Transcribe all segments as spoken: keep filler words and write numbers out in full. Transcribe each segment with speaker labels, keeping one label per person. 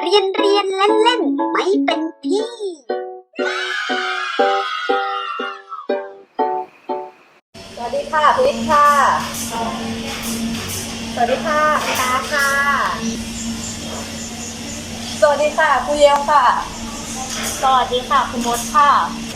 Speaker 1: เรียนเรียนเล่นเล่นไม่เป็นที่
Speaker 2: สวัสดีค่ะคุณวิทย์ค่ะ สวัสดีค่ะคุณตาค่ะ สวัสดีค่ะครูเยลค่ะ
Speaker 3: สวัสดีค่ะคุณมดค่ะ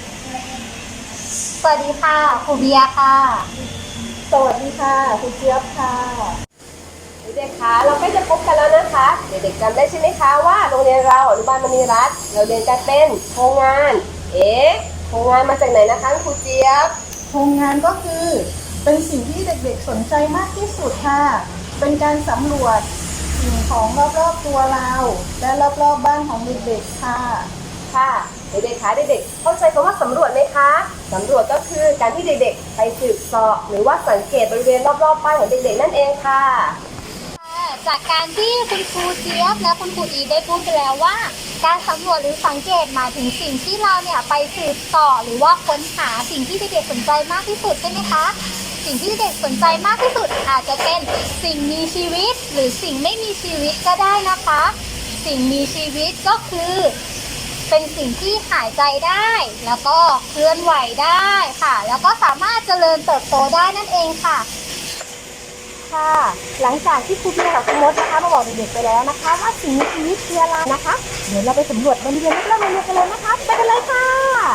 Speaker 3: สวัสดีค่ะครูเบียร์ค่ะ
Speaker 2: สวัสดีค่ะคุณเจี๊ยบค่ะเด็กๆคะเราใกล้จะพบกันแล้วนะคะเด็กๆจำได้ใช่ไหมคะว่าโรงเรียนเราอนุบาลมณีรัตน์เราเรียนการเป็นโครงงานเอ๊ะโครงงานมาจากไหนนะคะครูเจี๊ยบ
Speaker 4: โครงงานก็คือเป็นสิ่งที่เด็กๆสนใจมากที่สุดค่ะ เป็นการสำรวจสิ่งของรอบๆตัวเรา และรอบๆ บ้านของเด็กๆค่ะ
Speaker 2: ค่ะเด็กๆคะเด็กๆเข้าใจคำว่าสำรวจไหมคะสำรวจก็คือการที่เด็กๆไปสืบเสาะหรือว่าสังเกตบริเวณรอบๆบ้านของเด็กๆนั่นเองค่ะ
Speaker 3: จากการที่คุณครูเจี๊ยบและคุณครูอีได้พูดไปแล้วว่า การสำรวจหรือสังเกตหมายถึงสิ่งที่เราเนี่ยไปสืบเสาะหรือว่าค้นหาสิ่งที่เด็กๆสนใจมากที่สุดใช่ไหมคะสิ่งที่เด็กสนใจมากที่สุดอาจจะเป็นสิ่งมีชีวิตหรือสิ่งไม่มีชีวิตก็ได้นะคะ สิ่งมีชีวิตก็คือเป็นสิ่งที่หายใจได้แล้วก็เคลื่อนไหวได้ค่ะแล้วก็สามารถเจริญเติบโตได้นั่นเองค่ะ
Speaker 2: ค่ะหลังจากที่ครูเบียร์กับครูมดนะคะมาบอกเด็กๆไปแล้วนะคะว่าสิ่งมีชีวิตคืออะไรนะคะเดี๋ยวเราไปสำรวจบริเวณรอบๆโรงเรียนกันเลยนะคะไปกันเลยค่ะ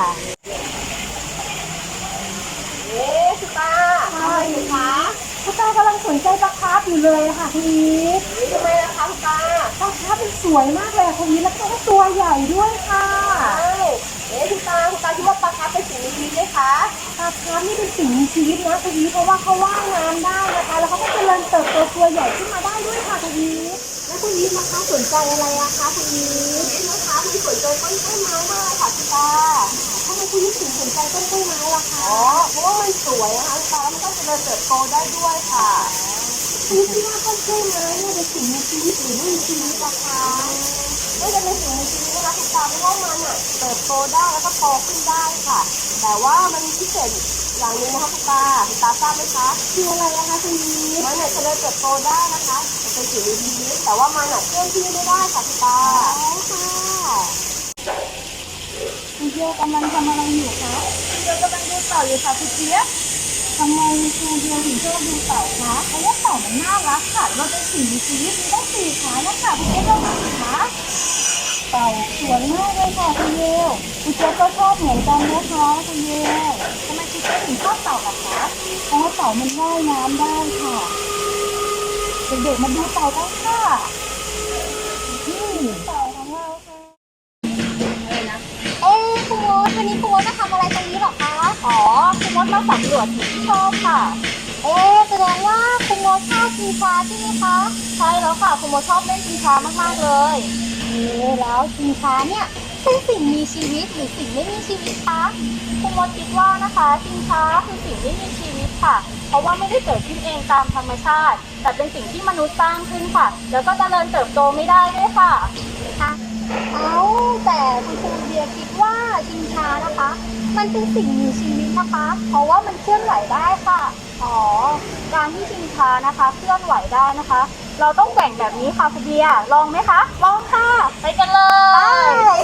Speaker 2: เอ๊ะคุณตาทำอะไรอยู่คะ
Speaker 4: คุณตากำลังสนใจปลาคาร์ฟอยู่เลยค่ะคุณอีท
Speaker 2: ทำไมล่ะคะคุณตา
Speaker 4: ปลาคาร์ฟเป็นสวยมากเลยคุณอีทแล้วก็ตัวใหญ่ด้วยค่ะ
Speaker 2: ใช่เอ๊ะคุณตาคุณตาคิดว่าปลาคาร์ฟเป็นสิ่งมีชีวิตไหมคะ
Speaker 4: ปลาคาร์ฟนี่เป็นสิ่งมีชีวิตนะคุณอีทเพราะว่าเขาว่ายน้ำได้นะคะ แล้วเขาก็เจริญเติบโตตัวใหญ่ขึ้นมาได้ด้วยค่ะคุณอีทแล้วคุณอีทนะคะสนใจอะไรอะคะคุณอีท
Speaker 2: นี่นะคะมีสนใจต้นไม้มากเลยค่ะคุณตา
Speaker 4: ทำไมคุณอีทถึงสนใจต้นกล้วยไม้ล่ะคะ
Speaker 2: อ๋อเพราะว่ามันสวยนะคะคุณตาแล้วมันก็เจริญเติบโตได้ด้วยค่ะ
Speaker 4: คุณคิดว่าต้นกล้วยไม้เนี่ยเป็นสิ่งมีชีวิตหรือไม่มีชีวิตล่ะคะ
Speaker 2: ไม่จะเป็นสิ่งมีชีวิตนะคะคุณตาเพราะว่ามันอ่ะเติบโตได้แล้วก็โตขึ้นได้ค่ะ แต่ว่ามันมีพิเศษอย่างหนึงนะคะคุณตาคุณตาทราบไหมคะ
Speaker 4: คืออะไรนะคะคุณอีท
Speaker 2: มันเนี่ยเจริญเติบโตได้นะคะมันเป็นสิ่งมีชีวิตแต่ว่ามันอ่ะเคลื่อนที่ไม่ได้ค่ะคุณตา
Speaker 4: อ๋อค่ะคุณเจี๊ยบกำลังทำอะไรอยู่คะคุณเจี๊ยบกำลังดูเต่าอยู่ค่ะคุณเจี๊ยบทำไมคุณเจี๊ยบถึงชอบดูเต่าคะเพราะว่าเต่ามันน่ารักค่ะแล้วมันเป็นสิ่งมีชีวิตมีตั้งสี่ขานะคะคุณเจี๊ยบลองดูสิคะเต่าสวยมากเลยค่ะคุณเจี๊ยบคุณเจี๊ยบก็ชอบเหมือนกันนะคะคุณเจี๊ยบทำไมคุณเจี๊ยบถึงชอบเต่าล่ะคะเพราะว่าเต่ามันว่ายน้ำได้ค่ะเด็กๆมาดูเต่ากันค่ะนี่เต่าของเราค่ะ
Speaker 3: เอ๊ะคุณมดวันนี้คุณมดมาทำอะไรตรงนี้เหรอคะอ๋อคุณมดมาสำรวจสิ่งที่ชอบค่ะเอ๊ะแสดงว่าคุณมดชอบชิงช้าใช่ไหมคะใช่แล้วค่ะคุณมดชอบเล่นชิงช้ามากๆเลยเอ๊ะแล้วชิงช้าเนี่ยเป็นสิ่งมีชีวิตหรือสิ่งไม่มีชีวิตคะคุณมดคิดว่านะคะชิงช้าคือสิ่งไม่มีชีวิตค่ะ เพราะว่าไม่ได้เกิดขึ้นเองตามธรรมชาติ แต่เป็นสิ่งที่มนุษย์สร้างขึ้นค่ะ แล้วก็เจริญเติบโตไม่ได้ด้วยค่ะค่ะ เอาแต่คุณครูเบียร์คิดว่าชิงช้านะคะ มันเป็นสิ่งมีชีวิตนะคะ เพราะว่ามันเคลื่อนไหวได้ค่ะอ๋อการที่ชิงช้านะคะเคลื่อนไหวได้นะคะ เราต้องแกว่งแบบนี้ค่ะคุณเบียร์ลองไหมคะลองค่ะไปกันเลย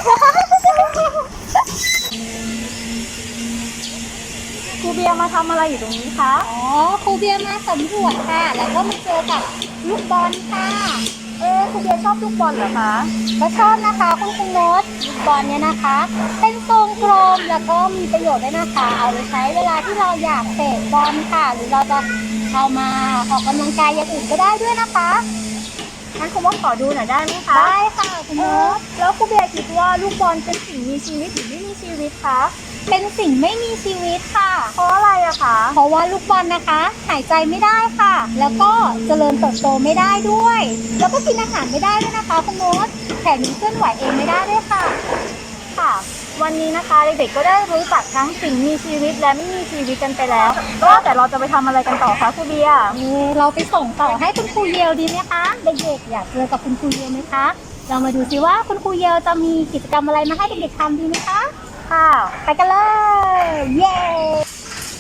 Speaker 3: ครูเบียร์มาทำอะไรอยู่ตรงนี้คะอ๋อครูเบียร์มาสำรวจค่ะ แล้วก็มาเจอกับลูกบอลค่ะ เอ๊ะคุณเบียร์ชอบลูกบอลเหรอคะก็ชอบนะคะคุณคุณโน้ตลูกบอลเนี่ยนะคะ เป็นทรงกลมแล้วก็มีประโยชน์ด้วยนะคะ เอาไปใช้เวลาที่เราอยากเตะบอลค่ะ หรือเราจะเอามาออกกำลังกายอย่างอื่นก็ได้ด้วยนะคะงั้นคุณว่าขอดูหน่อยได้ไหมคะได้ค่ะคุณโน้ตแล้วคุณเบียร์คิดว่าลูกบอลเป็นสิ่งมีชีวิตหรือไม่มีชีวิตคะเป็นสิ่งไม่มีชีวิตค่ะ เพราะอะไรอะคะเพราะว่าลูกบอลนะคะ หายใจไม่ได้ค่ะ แล้วก็เจริญเติบโตไม่ได้ด้วย แล้วก็กินอาหารไม่ได้ด้วยนะคะคุณโน้ตแถมยังเคลื่อนไหวเองไม่ได้ด้วยค่ะ ค่ะ วันนี้นะคะเด็กๆก็ได้รู้จักทั้งสิ่งมีชีวิตและไม่มีชีวิตกันไปแล้วก็แต่เราจะไปทำอะไรกันต่อคะครูเบียร์เราไปส่งต่อให้คุณครูเยลดีไหมคะเด็กๆอยากเจอกับคุณครูเยลไหมคะเรามาดูซิว่าคุณครูเยลจะมีกิจกรรมอะไรมาให้เด็กๆทำดีไหมคะค่ะไปกันเลยเย้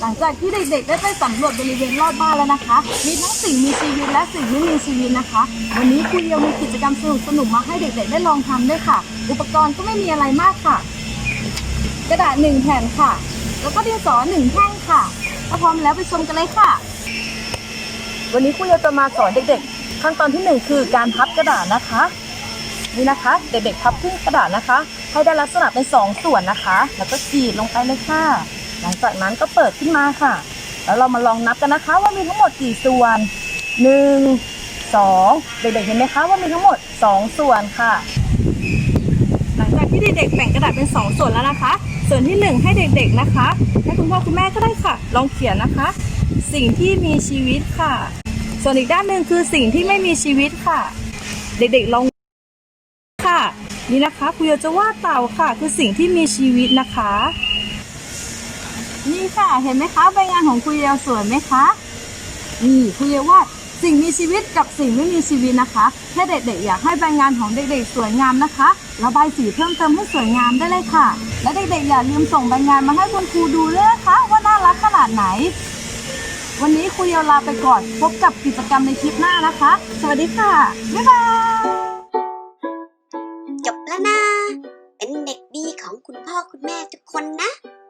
Speaker 4: หลังจากที่เด็กๆได้ไปสำรวจบริเวณรอบบ้านแล้วนะคะ มีทั้งสิ่งมีชีวิตและสิ่งไม่มีชีวิตนะคะ วันนี้ครูเดียวมีกิจกรรมสนุกๆมาให้เด็กๆได้ลองทำด้วยค่ะ อุปกรณ์ก็ไม่มีอะไรมากค่ะ กระดาษหนึ่งแผ่นค่ะ แล้วก็ดินสอหนึ่งแท่งค่ะถ้าพร้อมแล้วไปชมกันเลยค่ะ วันนี้ครูเดียวจะมาสอนเด็กๆขั้นตอนที่หนึ่งคือการพับกระดาษนะคะนี่นะคะเด็กๆพับครึ่งกระดาษนะคะให้ได้ลักษณะเป็นสองส่วนนะคะแล้วก็กรีดลงไปเลยค่ะหลังจากนั้นก็เปิดขึ้นมาค่ะแล้วเรามาลองนับกันนะคะว่ามีทั้งหมดกี่ส่วนหนึ่ง สองเด็กๆเห็นไหมคะว่ามีทั้งหมดสองส่วนค่ะหลังจากที่เด็กๆแบ่งกระดาษเป็นสองส่วนแล้วนะคะส่วนที่หนึ่งให้เด็กๆนะคะให้คุณพ่อคุณแม่ก็ได้ค่ะลองเขียนนะคะสิ่งที่มีชีวิตค่ะส่วนอีกด้านหนึ่งคือสิ่งที่ไม่มีชีวิตค่ะเด็กๆลองค่ะนี่นะคะครูโยจะวาดเต่าค่ะคือสิ่งที่มีชีวิตนะคะนี่ค่ะเห็นไหมคะใบงานของครูโยสวยไหมคะนี่ครูโยวาดสิ่งมีชีวิตกับสิ่งไม่มีชีวิตนะคะถ้าเด็กๆอยากให้ใบงานของเด็กๆสวยงามนะคะระบายสีเพิ่มเติมให้สวยงามได้เลยค่ะและเด็กๆอย่าลืมส่งใบงานมาให้คุณครูดูด้วยนะคะว่าน่ารักขนาดไหนวันนี้ครูโยลาไปก่อนพบกับกิจกรรมในคลิปหน้านะคะสวัสดีค่ะบ๊ายบาย
Speaker 1: จบแล้วนะ เป็นเด็กดีของคุณพ่อคุณแม่ทุกคนนะ